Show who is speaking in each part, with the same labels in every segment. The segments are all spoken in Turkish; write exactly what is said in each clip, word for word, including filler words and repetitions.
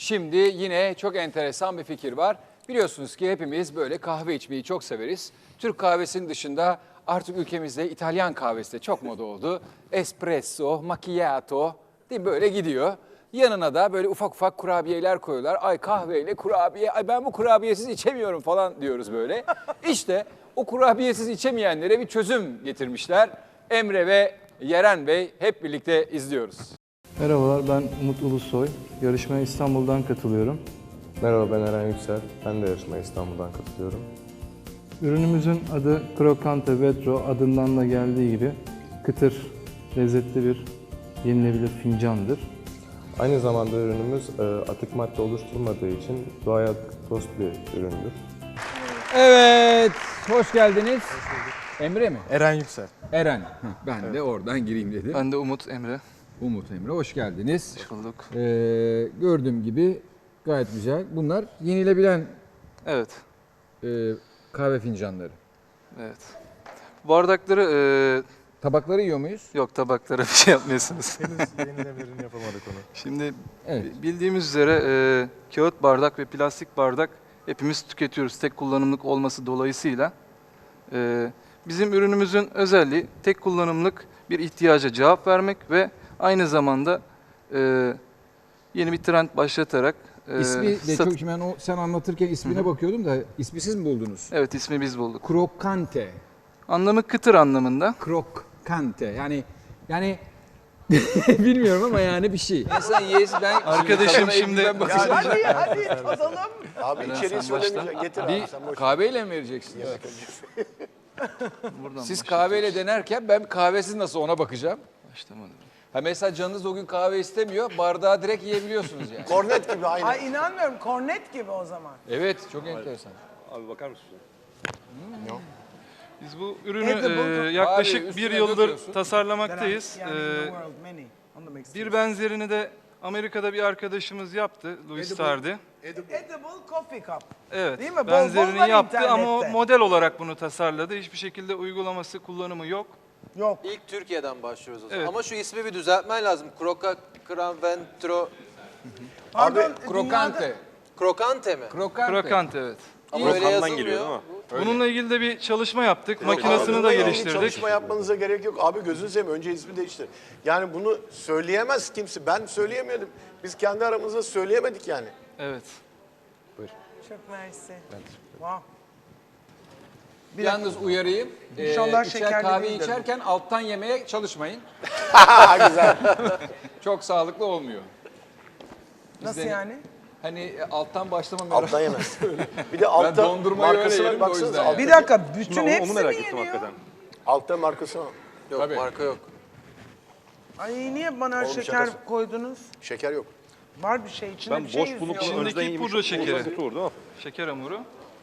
Speaker 1: Şimdi yine çok enteresan bir fikir var. Biliyorsunuz ki hepimiz böyle kahve içmeyi çok severiz. Türk kahvesinin dışında artık ülkemizde İtalyan kahvesi de çok moda oldu. Espresso, macchiato değil mi? Böyle gidiyor. Yanına da böyle ufak ufak kurabiyeler koyuyorlar. Ay kahveyle kurabiye, ay ben bu kurabiyesiz içemiyorum falan diyoruz böyle. İşte o kurabiyesiz içemeyenlere bir çözüm getirmişler. Emre ve Yeren Bey hep birlikte izliyoruz.
Speaker 2: Merhabalar, ben Umut Ulusoy. Yarışmaya İstanbul'dan katılıyorum.
Speaker 3: Merhaba, ben Eren Yüksel. Ben de yarışmaya İstanbul'dan katılıyorum.
Speaker 2: Ürünümüzün adı Crocante Vetro, adından da geldiği gibi kıtır, lezzetli bir yenilebilir fincandır.
Speaker 3: Aynı zamanda ürünümüz e, atık madde oluşturmadığı için doğaya dost bir üründür.
Speaker 1: Evet, hoş geldiniz. Emre mi?
Speaker 4: Eren Yüksel.
Speaker 1: Eren. Heh, ben de oradan gireyim dedim.
Speaker 4: Ben de Umut Emre.
Speaker 1: Umut Emre, hoş geldiniz.
Speaker 4: Hoş bulduk.
Speaker 1: Ee, gördüğüm gibi gayet güzel. Bunlar yenilebilen
Speaker 4: Evet,
Speaker 1: e, kahve fincanları.
Speaker 4: evet. Bardakları, e,
Speaker 1: Tabakları yiyor muyuz?
Speaker 4: yok tabaklara bir şey yapmıyorsunuz.
Speaker 3: Henüz yenilebirini yapamadık onu.
Speaker 4: Şimdi
Speaker 1: Evet.
Speaker 4: bildiğimiz üzere e, kağıt bardak ve plastik bardak hepimiz tüketiyoruz. Tek kullanımlık olması dolayısıyla. E, bizim ürünümüzün özelliği tek kullanımlık bir ihtiyaca cevap vermek ve aynı zamanda e, yeni bir trend başlatarak e,
Speaker 1: İsmi de
Speaker 4: sat-
Speaker 1: çok, ben o sen anlatırken ismine bakıyordum da ismi siz mi buldunuz?
Speaker 4: Evet, ismi biz bulduk.
Speaker 1: Krokante.
Speaker 4: Anlamı kıtır anlamında.
Speaker 1: Krokante. Yani yani bilmiyorum ama yani bir şey. İnsan yes ben
Speaker 4: Arkadaşım şimdi-
Speaker 1: ben bakacağım.
Speaker 5: Hadi hadi tadalım.
Speaker 6: Abi
Speaker 4: Eren,
Speaker 6: içeriği
Speaker 4: sen başla.
Speaker 6: söylemeyeceksin. Getir abi
Speaker 1: Bir
Speaker 6: sen boş.
Speaker 1: kahveyle mi vereceksiniz?
Speaker 4: Buradan
Speaker 1: Siz
Speaker 4: başlayacağız.
Speaker 1: kahveyle denerken ben kahvesiz nasıl ona bakacağım.
Speaker 4: Başlamadım.
Speaker 1: Ha mesela canınız o gün kahve istemiyor, bardağı direkt yiyebiliyorsunuz yani.
Speaker 6: Kornet gibi aynı.
Speaker 5: Ay inanmıyorum. Kornet gibi o zaman.
Speaker 1: Evet, çok enteresan.
Speaker 3: Abi bakar mısın?
Speaker 4: Biz bu ürünü
Speaker 5: Edible-
Speaker 4: e, yaklaşık
Speaker 1: Abi,
Speaker 4: bir
Speaker 1: üstüne
Speaker 4: yıldır
Speaker 1: döküyorsun.
Speaker 4: tasarlamaktayız.
Speaker 5: Yani in
Speaker 4: E,
Speaker 5: the world many. Onu demek
Speaker 4: bir
Speaker 5: istiyorum.
Speaker 4: benzerini de Amerika'da bir arkadaşımız yaptı, Louis Tardy.
Speaker 5: Edible coffee cup.
Speaker 4: Evet,
Speaker 5: Değil mi? Bol bol
Speaker 4: benzerini
Speaker 5: var
Speaker 4: yaptı ama o
Speaker 5: internette.
Speaker 4: model olarak bunu tasarladı. Hiçbir şekilde uygulaması, kullanımı yok.
Speaker 5: Yok.
Speaker 7: İlk Türkiye'den başlıyoruz o zaman.
Speaker 4: Evet.
Speaker 7: Ama şu ismi bir düzeltmen lazım. Croca, Cranventro,
Speaker 5: Pardon,
Speaker 1: Krokante.
Speaker 5: dünyada-
Speaker 7: Krokante mi?
Speaker 1: Krokante.
Speaker 4: Krokant, evet.
Speaker 7: Ama öyle yazılmıyor.
Speaker 4: Bununla ilgili de bir çalışma yaptık, makinesini de
Speaker 6: Bununla ilgili
Speaker 4: geliştirdik.
Speaker 6: Çalışma yapmanıza gerek yok. Abi gözünü seveyim önce ismi değiştir. Yani bunu söyleyemez kimse. Ben söyleyemiyordum. Biz kendi aramızda söyleyemedik yani.
Speaker 4: Evet.
Speaker 5: Çok mersi. Wow.
Speaker 1: Yalnız uyarayım. Ee,
Speaker 5: İnşallah
Speaker 1: içer-
Speaker 5: şekerli
Speaker 1: kahve
Speaker 5: değildir bu.
Speaker 1: içerken alttan yemeye çalışmayın.
Speaker 6: Güzel.
Speaker 1: Çok sağlıklı olmuyor.
Speaker 5: Nasıl
Speaker 1: de-
Speaker 5: yani?
Speaker 1: Hani e, alttan başlama merak.
Speaker 6: Alttan yemez. Bir de altta
Speaker 1: dondurmayı öyle yerim de
Speaker 6: markasına
Speaker 1: o
Speaker 6: baksanıza.
Speaker 1: yüzden
Speaker 6: Altta,
Speaker 5: Bir dakika, bütün hepsi mi yeniyor?
Speaker 6: altta markasına.
Speaker 7: Yok,
Speaker 1: Tabii.
Speaker 7: marka yok.
Speaker 5: Ay niye bana
Speaker 6: Oğlum,
Speaker 5: şeker
Speaker 6: şakası.
Speaker 5: koydunuz?
Speaker 6: Şeker yok.
Speaker 5: Var bir şey, içinde bir şey yüzüyor.
Speaker 4: İçindeki pudra şekeri. Şeker hamuru.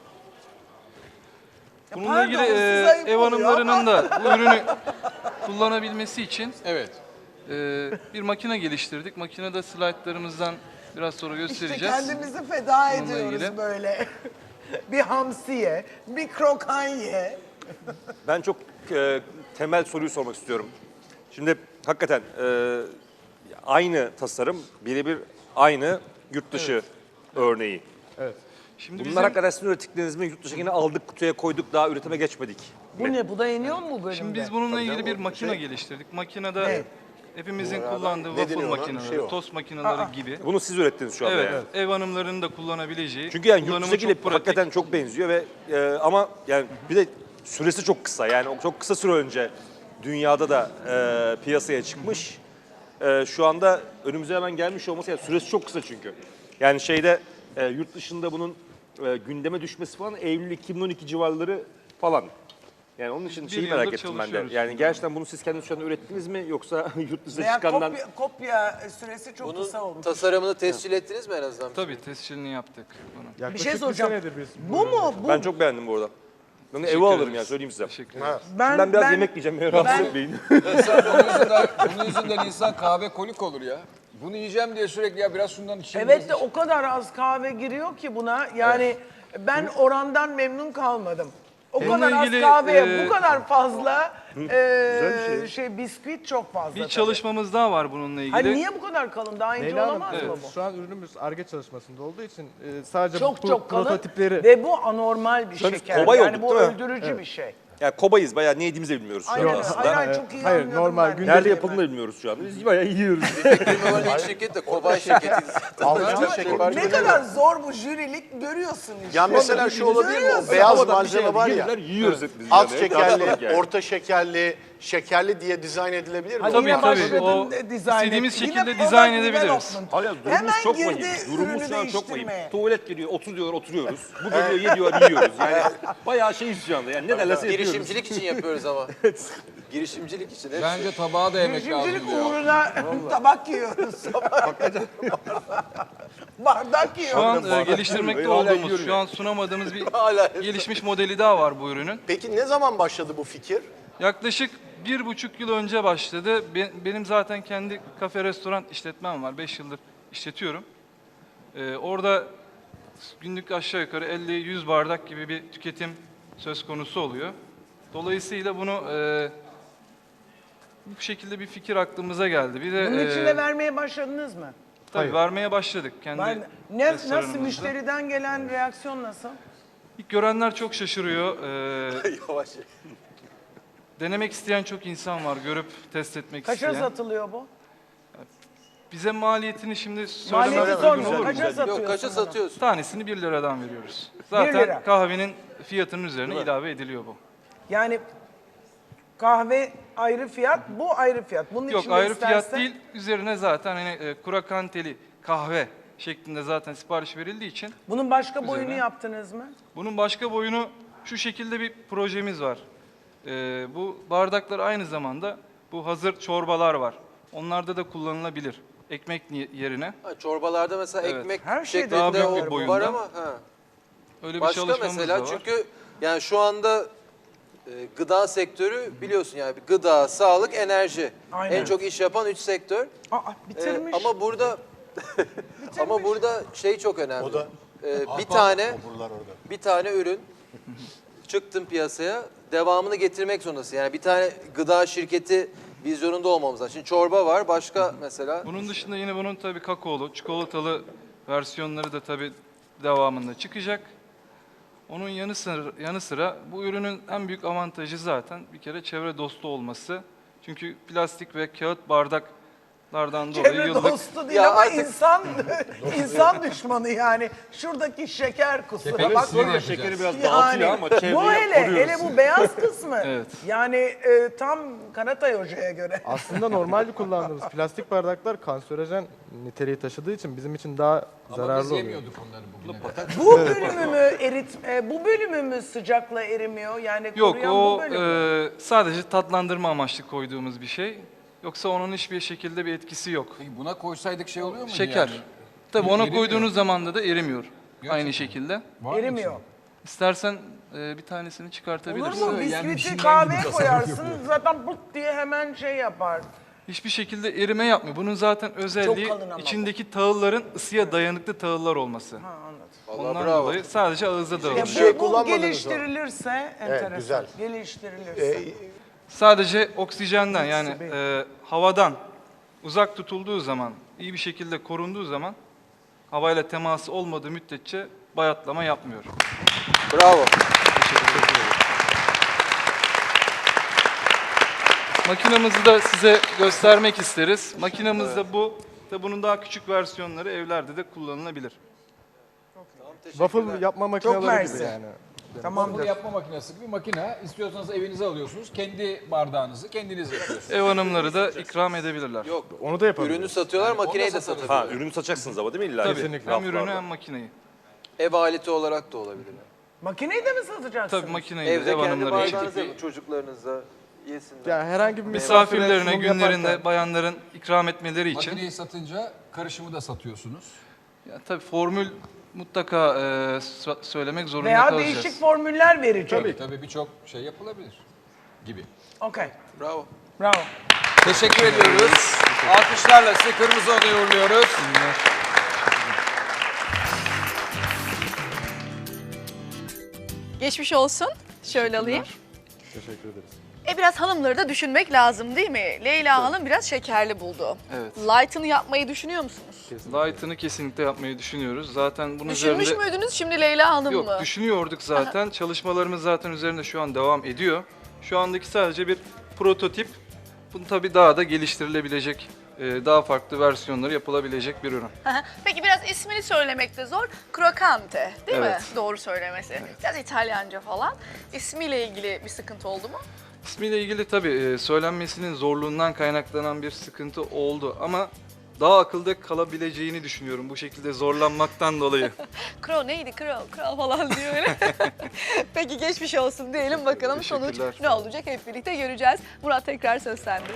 Speaker 5: Ya
Speaker 4: Bununla
Speaker 5: pardon,
Speaker 4: ilgili
Speaker 5: size
Speaker 4: e,
Speaker 5: ayıp
Speaker 4: ev
Speaker 5: oluyor
Speaker 4: hanımlarının
Speaker 5: ama.
Speaker 4: da bu ürünü kullanabilmesi için
Speaker 1: Evet.
Speaker 4: e, bir makine geliştirdik. Makinede slaytlarımızdan biraz sonra
Speaker 5: İşte
Speaker 4: göstereceğiz.
Speaker 5: kendimizi feda
Speaker 4: Bununla
Speaker 5: ediyoruz
Speaker 4: ilgili.
Speaker 5: böyle. Bir hamsiye, bir krokanye.
Speaker 8: Ben çok e, temel soruyu sormak istiyorum. Şimdi hakikaten e, aynı tasarım, birebir aynı yurt dışı örneği.
Speaker 4: Şimdi
Speaker 8: Bunlar
Speaker 4: bizim,
Speaker 8: hakikaten sizin ürettikleriniz mi? Yurt dışına yine aldık, kutuya koyduk, daha üretime geçmedik.
Speaker 5: Bu ne? Bu da yeniyor mu bu bölümde?
Speaker 4: şimdi biz bununla ilgili bir makine geliştirdik. Makinede
Speaker 5: Ne?
Speaker 4: hepimizin kullandığı
Speaker 6: ne
Speaker 4: waffle
Speaker 6: deniyor ona?
Speaker 4: makineleri,
Speaker 6: Şey o.
Speaker 4: tost makineleri gibi.
Speaker 8: Bunu siz ürettiniz şu anda
Speaker 4: Evet,
Speaker 8: yani.
Speaker 4: ev hanımlarının da kullanabileceği.
Speaker 8: Çünkü yani yurt
Speaker 4: kullanımı
Speaker 8: dışındakiyle
Speaker 4: çok pratik.
Speaker 8: hakikaten çok benziyor ve e, ama yani bir de süresi çok kısa. Yani o çok kısa süre önce dünyada da e, piyasaya çıkmış. E, şu anda önümüze hemen gelmiş olması, yani süresi çok kısa çünkü. Yani şeyde e, yurt dışında bunun e, gündeme düşmesi falan Eylül iki bin on iki civarları falan. Yani onun için
Speaker 4: Bir
Speaker 8: şeyi
Speaker 4: yıldır
Speaker 8: merak ettim ben de.
Speaker 4: çalışıyoruz
Speaker 8: Yani
Speaker 4: şimdi.
Speaker 8: gerçekten bunu siz kendiniz şu anda ürettiniz mi yoksa yurt dışına
Speaker 5: Veya
Speaker 8: çıkandan...
Speaker 5: kopya, kopya süresi çok
Speaker 7: Bunun
Speaker 5: kısa olmuş.
Speaker 7: tasarımını tescil ettiniz mi en azından?
Speaker 4: Tabii tescilini yaptık bunu.
Speaker 5: Bir şey soracağım. Bu mu? Bu
Speaker 8: Ben çok beğendim bu arada. Ben de eve
Speaker 4: Teşekkür
Speaker 8: alırım
Speaker 4: ederiz.
Speaker 8: yani söyleyeyim size.
Speaker 4: Teşekkür ederiz.
Speaker 5: ben,
Speaker 8: Ben biraz yemek yiyeceğim, beni rahatsız
Speaker 5: ben-
Speaker 8: etmeyin.
Speaker 1: İnsan bunun yüzünden, bunun yüzünden insan kahve kolik olur ya. Bunu yiyeceğim diye sürekli ya biraz şundan içeyim.
Speaker 5: Evet de
Speaker 1: biraz
Speaker 5: o kadar az kahve giriyor ki buna. Yani ben orandan memnun kalmadım. O
Speaker 4: Bununla
Speaker 5: kadar
Speaker 4: ilgili,
Speaker 5: az kahveye
Speaker 4: e,
Speaker 5: bu kadar fazla e,
Speaker 3: şey.
Speaker 5: şey bisküvit çok fazla.
Speaker 4: Bir
Speaker 5: tabii.
Speaker 4: çalışmamız daha var bununla ilgili.
Speaker 5: Hani niye bu kadar kalın? Daha ince
Speaker 2: Leyla Hanım,
Speaker 5: olamaz mı
Speaker 2: e,
Speaker 5: bu?
Speaker 2: şu an ürünümüz Ar-Ge çalışmasında olduğu için e, sadece
Speaker 5: Çok
Speaker 2: bu
Speaker 5: çok kalın
Speaker 2: prototipleri
Speaker 5: ve bu anormal bir
Speaker 8: Şu an biz
Speaker 5: şeker.
Speaker 8: kobay
Speaker 5: Yani
Speaker 8: olduk,
Speaker 5: bu
Speaker 8: değil mi?
Speaker 5: öldürücü bir şey.
Speaker 8: Yani kobayız bayağı ne yediğimizi de bilmiyoruz şu
Speaker 5: Aynen,
Speaker 8: anda aslında.
Speaker 5: aynen çok iyi
Speaker 2: Hayır,
Speaker 5: anlıyorum
Speaker 2: normal
Speaker 5: ben.
Speaker 2: gündelik-
Speaker 8: Nerede yapıldığını da bilmiyoruz şu anda. Biz bayağı yiyoruz.
Speaker 7: Firmaların ilk şirket de Kobay şirketiyiz.
Speaker 5: Ama ne kadar zor bu jürilik görüyorsun işte.
Speaker 6: Ya mesela şu olabilir mi? O
Speaker 5: Görüyorsun.
Speaker 6: beyaz malzeme var ya.
Speaker 8: Gelirler, yiyoruz hep biz.
Speaker 6: Az
Speaker 8: yani.
Speaker 6: şekerli,
Speaker 8: Yani.
Speaker 6: orta şekerli, şekerli diye dizayn edilebilir mi?
Speaker 5: Hadi
Speaker 4: Tabii,
Speaker 5: yine
Speaker 4: tabii.
Speaker 5: başladın
Speaker 4: O
Speaker 5: de- dizayn
Speaker 4: istediğimiz
Speaker 5: et. Yine
Speaker 4: şekilde
Speaker 5: product
Speaker 4: dizayn edebiliriz.
Speaker 5: development.
Speaker 8: Hala durumumuz
Speaker 5: Hemen
Speaker 8: çok
Speaker 5: girdi
Speaker 8: vahim. Durumumuz
Speaker 5: ürünü
Speaker 8: şu an çok vahim.
Speaker 5: değiştirmeye.
Speaker 8: Tuvalet geliyor, otur diyorlar oturuyoruz. Bu geliyor, ye diyorlar yiyoruz. Yani bayağı şeyiz şu anda. Yani ne derlerse yapıyoruz.
Speaker 7: Girişimcilik için yapıyoruz ama. Girişimcilik için. hepsi.
Speaker 1: Bence tabağa da yemek lazım
Speaker 5: Girişimcilik
Speaker 1: diyor.
Speaker 5: uğruna tabak yiyoruz. Bardak
Speaker 4: Şu
Speaker 5: yiyoruz.
Speaker 4: an e, geliştirmekte
Speaker 8: Hala
Speaker 4: olduğumuz,
Speaker 8: yiyorum
Speaker 4: şu an sunamadığımız bir
Speaker 7: Hala.
Speaker 4: gelişmiş modeli daha var bu ürünün.
Speaker 6: Peki ne zaman başladı bu fikir?
Speaker 4: Yaklaşık bir buçuk yıl önce başladı. Be- Benim zaten kendi kafe restoran işletmem var. Beş yıldır işletiyorum. Ee, orada günlük aşağı yukarı elli yüz bardak gibi bir tüketim söz konusu oluyor. Dolayısıyla bunu e, bu şekilde bir fikir aklımıza geldi. Bir de
Speaker 5: Bunun
Speaker 4: e,
Speaker 5: için de vermeye başladınız mı?
Speaker 4: tabii vermeye başladık kendi
Speaker 5: Ben, ne, nasıl
Speaker 4: restoranımızda.
Speaker 5: müşteriden gelen reaksiyon nasıl?
Speaker 4: İlk görenler çok şaşırıyor. Ee,
Speaker 7: Yavaş.
Speaker 4: denemek isteyen çok insan var, görüp test etmek
Speaker 5: Kaça
Speaker 4: isteyen.
Speaker 5: satılıyor bu?
Speaker 4: Bize maliyetini şimdi
Speaker 5: Maliyeti
Speaker 4: söylemem uygun
Speaker 5: sormuyorum.
Speaker 4: olur mu?
Speaker 5: Kaça satıyorsun?
Speaker 7: Yok kaça
Speaker 5: bunu?
Speaker 7: satıyorsun?
Speaker 4: Tanesini bir liradan veriyoruz.
Speaker 5: lira.
Speaker 4: Zaten kahvenin fiyatının üzerine ilave ediliyor bu.
Speaker 5: Yani kahve ayrı fiyat, bu ayrı fiyat. Bunun
Speaker 4: Yok
Speaker 5: içinde
Speaker 4: ayrı
Speaker 5: istersen-
Speaker 4: fiyat değil, üzerine zaten hani e, kurakanteli kahve şeklinde zaten sipariş verildiği için
Speaker 5: Bunun başka boyunu
Speaker 4: Üzerine.
Speaker 5: yaptınız mı?
Speaker 4: bunun başka boyunu şu şekilde bir projemiz var. E, bu bardaklar aynı zamanda bu hazır çorbalar var. Onlarda da kullanılabilir. Ekmek ni- yerine.
Speaker 7: Ha, çorbalarda mesela
Speaker 4: Evet.
Speaker 7: ekmek
Speaker 5: Her şeyde
Speaker 7: şeklinde
Speaker 4: daha büyük bir
Speaker 7: o
Speaker 4: boyunda.
Speaker 7: var ama ha.
Speaker 4: Öyle bir
Speaker 7: Başka
Speaker 4: çalışmamız
Speaker 7: mesela
Speaker 4: da var.
Speaker 7: çünkü yani şu anda e, gıda sektörü biliyorsun yani gıda, sağlık, enerji.
Speaker 5: Aynen.
Speaker 7: En çok iş yapan üç sektör.
Speaker 5: Aa,
Speaker 7: E,
Speaker 5: bitirmiş.
Speaker 7: ama burada ama burada şey çok önemli.
Speaker 6: O da-
Speaker 7: E, bir tane
Speaker 6: Oburlar orada.
Speaker 7: bir tane ürün çıktın piyasaya devamını getirmek zorundasın. Yani bir tane gıda şirketi vizyonunda olmamız lazım. Şimdi çorba var, başka mesela
Speaker 4: Bunun dışında yine bunun tabii kakaolu, çikolatalı versiyonları da tabii devamında çıkacak. Onun yanı sıra, yanı sıra bu ürünün en büyük avantajı zaten bir kere çevre dostu olması. Çünkü plastik ve kağıt bardaklardan dolayı
Speaker 5: Çevre
Speaker 4: yıllık
Speaker 5: dostu değil
Speaker 7: Ya
Speaker 5: ama
Speaker 7: artık-
Speaker 5: insan insan düşmanı yani. Şuradaki şeker kusura
Speaker 1: Tepeli
Speaker 5: bak.
Speaker 1: sinir yapacağız.
Speaker 8: Şekeri biraz
Speaker 5: Yani,
Speaker 8: dağıtıyor ama çevreyi
Speaker 5: bu hele,
Speaker 8: koruyoruz.
Speaker 5: hele bu beyaz kısmı.
Speaker 4: Evet.
Speaker 5: Yani e, tam Karatay Hoca'ya göre.
Speaker 2: aslında normalde kullandığımız plastik bardaklar kanserojen niteliği taşıdığı için bizim için daha
Speaker 1: Ama
Speaker 2: zararlı
Speaker 1: biz
Speaker 2: oluyor.
Speaker 1: yemiyorduk onları bugüne kadar.
Speaker 5: Bu bölümü mü erit, e, bu bölümü mü sıcakla erimiyor? Yani
Speaker 4: Yok
Speaker 5: koruyan
Speaker 4: o
Speaker 5: bu bölüm mü?
Speaker 4: e, sadece tatlandırma amaçlı koyduğumuz bir şey. Yoksa onun hiçbir şekilde bir etkisi yok.
Speaker 1: Peki buna koysaydık şey oluyor mu?
Speaker 4: Şeker.
Speaker 1: Yani?
Speaker 4: Tabii ona
Speaker 1: Erimiyor.
Speaker 4: koyduğunuz zaman da da erimiyor.
Speaker 1: Gerçekten.
Speaker 4: Aynı şekilde.
Speaker 1: Var mı
Speaker 5: Erimiyor.
Speaker 1: içinde?
Speaker 4: İstersen e, bir tanesini
Speaker 5: Olur
Speaker 4: çıkartabilirsin.
Speaker 5: mu?
Speaker 1: Yani bir
Speaker 5: Bisküviti
Speaker 1: şeyden
Speaker 5: kahveye
Speaker 1: gibi
Speaker 5: koyarsın
Speaker 1: tasarruf
Speaker 5: zaten bırt diye hemen şey yapar.
Speaker 4: Hiçbir şekilde erime yapmıyor. Bunun zaten özelliği
Speaker 5: kalın ama bu.
Speaker 4: içindeki tahılların ısıya dayanıklı tahıllar olması.
Speaker 5: Ha, anladım.
Speaker 7: Vallahi
Speaker 4: Ondan
Speaker 7: bravo.
Speaker 4: dolayı sadece ağızda
Speaker 5: Ya
Speaker 4: dağılıyor.
Speaker 6: Bir şey
Speaker 5: bu, bu
Speaker 6: kullanmadınız
Speaker 5: geliştirilirse enteresan.
Speaker 6: güzel.
Speaker 5: Geliştirilirse.
Speaker 6: Ee,
Speaker 4: Sadece oksijenden yani
Speaker 5: Nasıl
Speaker 4: e, havadan uzak tutulduğu zaman, iyi bir şekilde korunduğu zaman havayla teması olmadığı müddetçe bayatlama yapmıyor.
Speaker 7: Bravo.
Speaker 4: Makinamızı da size göstermek isteriz. Makinamız da bu. Tabii bunun daha küçük versiyonları evlerde de kullanılabilir.
Speaker 2: Waffle yapma makineleri
Speaker 5: mersi.
Speaker 2: gibi yani.
Speaker 5: Tamamdır.
Speaker 1: Bunu yapma makinesi gibi makine. İstiyorsanız evinize alıyorsunuz. Kendi bardağınızı kendiniz yapıyorsunuz.
Speaker 4: Ev hanımları da ikram edebilirler.
Speaker 7: Yok.
Speaker 2: Onu da yapabiliriz.
Speaker 7: Ürünü satıyorlar,
Speaker 1: Yani onu
Speaker 7: makineyi
Speaker 1: da
Speaker 7: de
Speaker 1: satarız.
Speaker 7: satıyorlar.
Speaker 8: Ha ürünü satacaksınız ama değil mi illa?
Speaker 4: Tabii
Speaker 2: Kesinlikle.
Speaker 4: hem ürünü
Speaker 8: Raflarda.
Speaker 4: hem makineyi.
Speaker 7: Ev aleti olarak da olabilir.
Speaker 5: Makineyi de mi satacaksınız?
Speaker 4: Tabii makineyi de
Speaker 7: Evde
Speaker 4: ev
Speaker 7: kendi
Speaker 4: hanımları için.
Speaker 7: bardağınızı yapın çocuklarınıza yesinler.
Speaker 2: Ya herhangi bir
Speaker 4: Misafirlerine,
Speaker 2: sunum
Speaker 4: günlerinde
Speaker 2: yaparken-
Speaker 4: bayanların ikram etmeleri için.
Speaker 1: Makineyi satınca karışımı da satıyorsunuz.
Speaker 4: Ya, tabii formül mutlaka e, so- söylemek zorunda
Speaker 5: Veya
Speaker 4: kalacağız.
Speaker 5: değişik formüller verecek.
Speaker 1: Tabii tabii birçok şey yapılabilir gibi.
Speaker 5: Okey.
Speaker 7: Bravo.
Speaker 5: Bravo.
Speaker 1: Teşekkür ediyoruz. Alkışlarla sizi Kırmızı Oda'ya uğurluyoruz.
Speaker 9: Geçmiş olsun. Şöyle alayım.
Speaker 3: Teşekkür ederiz.
Speaker 9: E biraz hanımları da düşünmek lazım değil mi? Leyla Hanım biraz şekerli buldu.
Speaker 4: Evet.
Speaker 9: Light'ını yapmayı düşünüyor musunuz?
Speaker 4: Light'ını kesinlikle yapmayı düşünüyoruz. Zaten bunun
Speaker 9: Düşünmüş
Speaker 4: üzerinde...
Speaker 9: müydünüz şimdi Leyla Hanım
Speaker 4: Yok,
Speaker 9: mı?
Speaker 4: düşünüyorduk zaten. Çalışmalarımız zaten üzerinde şu an devam ediyor. Şu andaki sadece bir prototip. Bunu tabii daha da geliştirilebilecek, e, daha farklı versiyonları yapılabilecek bir ürün.
Speaker 9: Peki biraz ismini söylemekte zor. Crocante değil
Speaker 4: Evet.
Speaker 9: mi? Doğru söylemesi. Biraz İtalyanca falan. İsmiyle ilgili bir sıkıntı oldu mu?
Speaker 4: İsmiyle ilgili tabii e, söylenmesinin zorluğundan kaynaklanan bir sıkıntı oldu ama daha akılda kalabileceğini düşünüyorum bu şekilde zorlanmaktan dolayı.
Speaker 9: Crow neydi? Crow, Crow falan diyor öyle. Peki geçmiş olsun diyelim bakalım sonuç
Speaker 4: Teşekkürler.
Speaker 9: ne olacak hep birlikte göreceğiz. Murat tekrar söz sende.